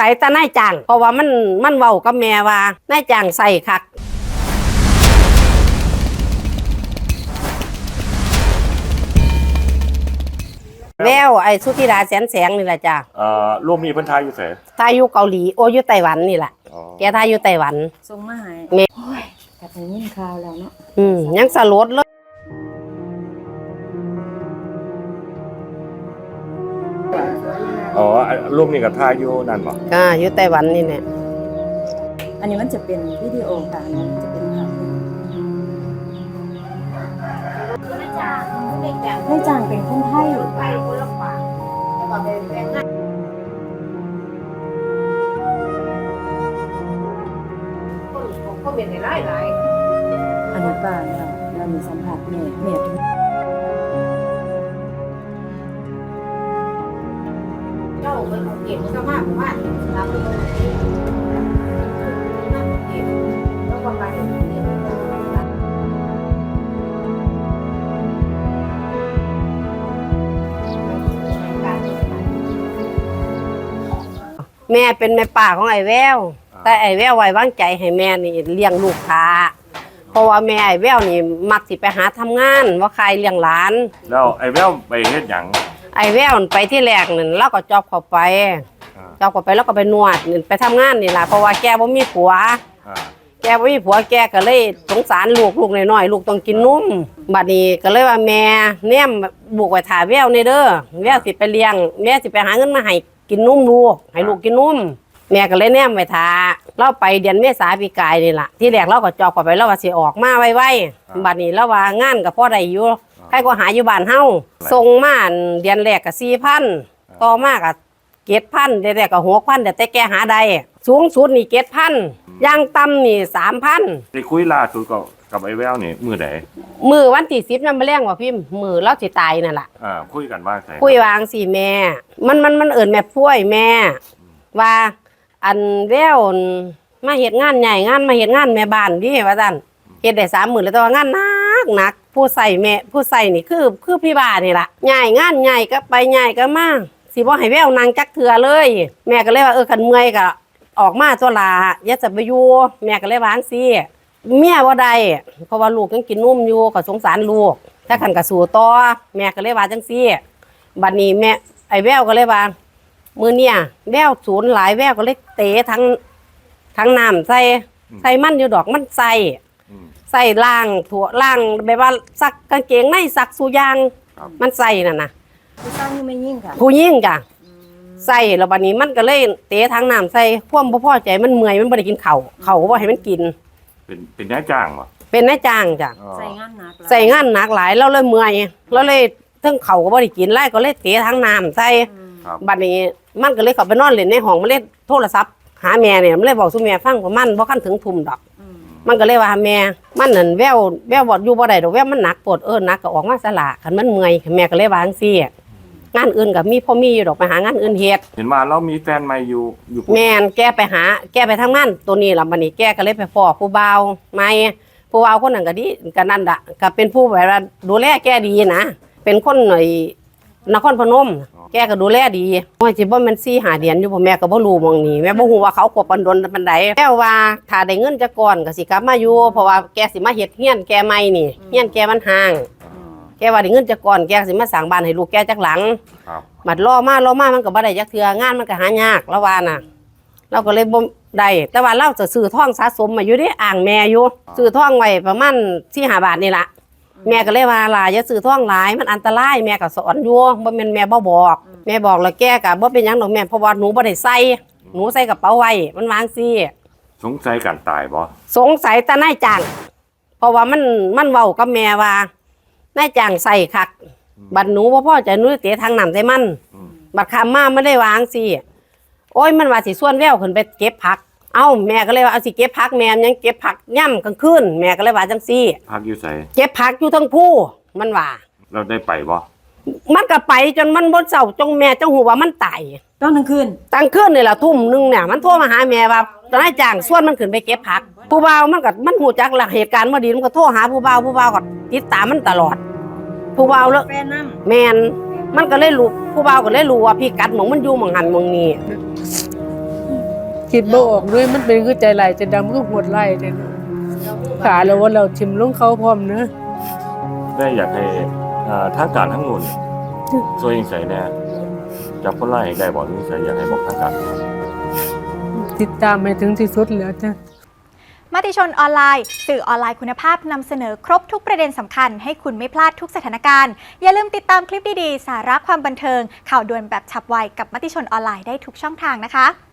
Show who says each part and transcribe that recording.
Speaker 1: สัยแต่นายจ้างเพราะว่ามันเว้ากับแม่ว่านายจ้างใส่คักแววไอ้สุธิดาแสงนี่แหละจ้ะ
Speaker 2: ร่วมมีเพิ่นทายอยู่ไส
Speaker 1: ทายอยู่เกาหลีโออยู่ไต้หวันนี่แหละแกทายอยู่ไต้หวัน
Speaker 3: ส่งมาให้โอ้ยกับได้ยินข่าวแล้วเนาะ
Speaker 1: ยังสลดเลย
Speaker 2: ร่วมนี่กับทายอยู่นั่นบ่
Speaker 1: อยู่ไต้หวันนี่เนี่ย
Speaker 3: อันนี้มันจะเป็นวิดีโอค่ะมันจะเป็นภาพนายจ้างเป็นคนไทย
Speaker 1: ก็เป็นหลาย
Speaker 3: อนุบาลค่ะเรามีสัมผัสแม่ทุก
Speaker 1: เจ้ามันเก็บก็มากว่าเราเก็บแล้วก็ไปแม่เป็นแม่ป่าของไอ้แววแต่ไอ้แววไว้วางใจให้แม่นี่เลี้ยงลูกค้าเพราะว่าแม่ไอ้แววนี่มักสิไปหาทำงานว่าใครเลี้ยงหลาน
Speaker 2: แล้วไอ้แววไปเฮ็ดหยัง
Speaker 1: ไอ้แววไปที่แรกนั่นเราก็จอบเข้าไปแล้วก็ไปนวดไปทำงานนี่ล่ะเพราะว่าแกบ่มีผัวแกบ่มีผัวแกก็เลยสงสารลูกน้อยๆลูกต้องกินนมบัดนี้ก็เลยว่าแม่เนี่ยบุกไว้ถ่าแววนี่เด้อแววสิไปเลี้ยงแม่สิไปหาเงินมาให้กินนมลูกให้ลูกกินนมแม่ก็เลยแนมไว้ท่าเราไปเดือนเมษาปีกายนี่ล่ะที่แรกเราก็จอบเข้าไปแล้วว่าสิออกมาไวๆบัดนี้แล้วว่างานก็พอได้อยู่ใครก็หาอยู่บ้านเฮาส่งมาเดือนแรกก็ 4,000 ต่อมาก็ 7,000 เดือนแรกก็ 6,000 แต่แกหาได้สูงสุดนี่ 7,000 อย่างต่ำนี่ 3,000
Speaker 2: ได้คุยล่าสุดกับไอ้แววนี่มื้อใด
Speaker 1: มื้อวันที่10นำมาแรงว่าพิมพ์มื้อเราสิตายนั่นล่ะ
Speaker 2: คุยกันว่าไส
Speaker 1: คุยวางสิแม่มันเอิ้นแม่ป่วยแม่ว่าอันแววมาเฮ็ดงานใหญ่งานมาเฮ็ดงานแม่บ้านดิว่าซั่นเฮ็ดได้30,000แล้วแต่ว่างานหนักผู้ใส่แม่ผู้ใส่นี่คือพี่บ้านนี่ล่ะใหญ่งานใหญ่ก็ไปใหญ่ก็มาสิบ่ให้แววนางจักเทื่อเลยแม่ก็เลยว่าคันเมื่อยก็ออกมาตัวลาอย่าจะไปอยู่แม่ก็เลยวางสิเมียบ่ได้เพราะว่าลูกยังกินนมอยู่ก็สงสารลูกถ้าคันก็สู้ต่อแม่ก็เลยว่าจังซี่บัดนี้แม่ไอ้แววก็เลยว่ามื้อเนี่ยแววสูญหลายแววก็เลยเตะทั้งน้ำใส่มันอยู่ดอกมันใส่ล่างถั่วล่างแบบว่าซักกางเกงในซักสุยางมันใส่นั่นน่ะ
Speaker 3: ผู้ชายยังไม่ยิ่งค่ะ
Speaker 1: ผู้ยิ่งจ้ะใส่แล้วบัดนี้มันก็เลยเตะทั้งน้ำใส่ความบ่พอใจมันเมื่อยมันบ่ได้กินข้าวก็บ่ให้มันกิน
Speaker 2: เป็นนายจ้างบ่
Speaker 1: เป็นนายจ้างจ้ะ
Speaker 3: ใส่งานห
Speaker 1: นักหลายแล้วเลยเมื่อยแล้วเลยทั้งข้าวก็บ่ได้กินไล่ก็เลยเตะทั้งน้ำใส่บัดนี้มันก็เลยเข้าไปนอนเล่นในห้องมันเล่นโทรศัพท์หาแม่เนี่ยมันเลยบอกสู่แม่ฟังว่ามันบ่คันถึงทุ่มดอกมันก็เลยว่าแม่มันนั่นแววบ่อยู่บ่ได้ดอกแววมันหนักปวดหนักก็ออกมาสละคันมันเมื่อยแม่ก็เลยวาจังซี่งานอื่นก็มีพ่อมีอยู่ดอกไปหางานอื่นเฮ็ด
Speaker 2: เห็นว่าเรามีแฟนใหม่อยู่
Speaker 1: แม่นแกไปทำงานตัวนี้ล่ะบัดนี้แกก็เลยไปพ้อผู้บ่าวใหม่ผู้บ่าวคนนั้นก็ดีก็นั่นล่ะก็เป็นผู้แบบว่าดูแลแกดีนะเป็นคนหน่อยนครพนมแกก็ดูแลดีว่าสิบ่แม่น4-5 เดือนอยู่พ่อแม่ก็บ่รู้หม่องนี้แม่บ่ฮู้ว่าเขาคบกันดนปานใดแม่ว่าถ้าได้เงินจักก่อนก็สิกลับมาอยู่เพราะว่าแกสิมาเฮ็ดเฮียนแกใหม่นี่เฮียนแกมันห่างแกว่าได้เงินจักก่อนแกสิมาสร้างบ้านให้ลูกแกจักหลังบัดรอมามันก็บ่ได้จักเทื่องานมันก็หายากแล้วว่าน่ะเราก็เลยบ่ได้แต่ว่าเราจะซื้อทองสะสมมาอยู่ดิอ่างแม่อยู่ซื้อทองไว้ประมาณ 4-5 บาทนี่ล่ะแม่ก็เลยว่าล่ะอย่าซื้อท่องหลายมันอันตรายแม่ก็สอนอยู่บ่แม่นแม่บ่บอกแม่บอกแล้วแกก็บ่เป็นหยังดอกแม่เพราะว่าหนูบ่ได้ใส่หนูใส่กระเป๋าไว้มันวางซี่
Speaker 2: สงสัยการตายบ่
Speaker 1: สงสัยแต่นายจ้างเพราะว่ามันเว้ากับแม่ว่านายจ้างใส่คักบัดหนูบ่พอใจหนูเตะทางน้ำใส่มันบัดคำมาไม่ได้วางซี่โอ้ยมันว่าสิส่วนแววขึ้นไปเก็บผักเอ้าแม่ก็เลยว่าเอาสิเก็บผักแม่ยังเก็บผักย่ำกลางคืนแม่ก็เลยว่าจังซี่
Speaker 2: ผักอยู่ไส
Speaker 1: เก็บผักอยู่ทั้งผู้มันว่า
Speaker 2: เราได้ไปบ่
Speaker 1: มันก็ไปจนมันบ่เศร้าจงแม่จังหูว่ามันตาย
Speaker 3: ตอนกลางคืน
Speaker 1: นี่ล่ะทุ่มนึงเนี่ยมันโทรมาหาแม่ว่าตอนนายจ้างส่วนมันขึ้นไปเก็บผักผู้บ่าวมันหูจักหลักเหตุการณ์บ่ดีมันก็โทรหาผู้บ่าวก็ติดตามมันตลอดผู้บ่าวแล้วแม่นมันก็เลยรู้ผู้บ่าวก็เลยรู้ว่าพี่กัดหม่องมันอยู่หม่องหันหม่องนี้
Speaker 4: คิดบ่ออกด้วยมันเป็นคือใจไหลายใจดำคือโหดไหลายเลยนะขาแล้วว่าเราชิมลงเขาพร้อมเนอะ
Speaker 2: ได้อยากให้ทางการทั้งหมดช่วยยังใส่แน่จับคนร้ายให้ได้บ่ยังใส่อยากให้บอกทางการ
Speaker 4: ติดตามไปถึงที่สุดแล้วจ้ะ
Speaker 3: มติชนออนไลน์สื่อออนไลน์คุณภาพนำเสนอครบทุกประเด็นสำคัญให้คุณไม่พลาดทุกสถานการณ์ อย่าลืมติดตามคลิปดีๆ สาระความบันเทิงข่าวด่วนแบบฉับไวกับมติชนออนไลน์ได้ทุกช่องทางนะคะ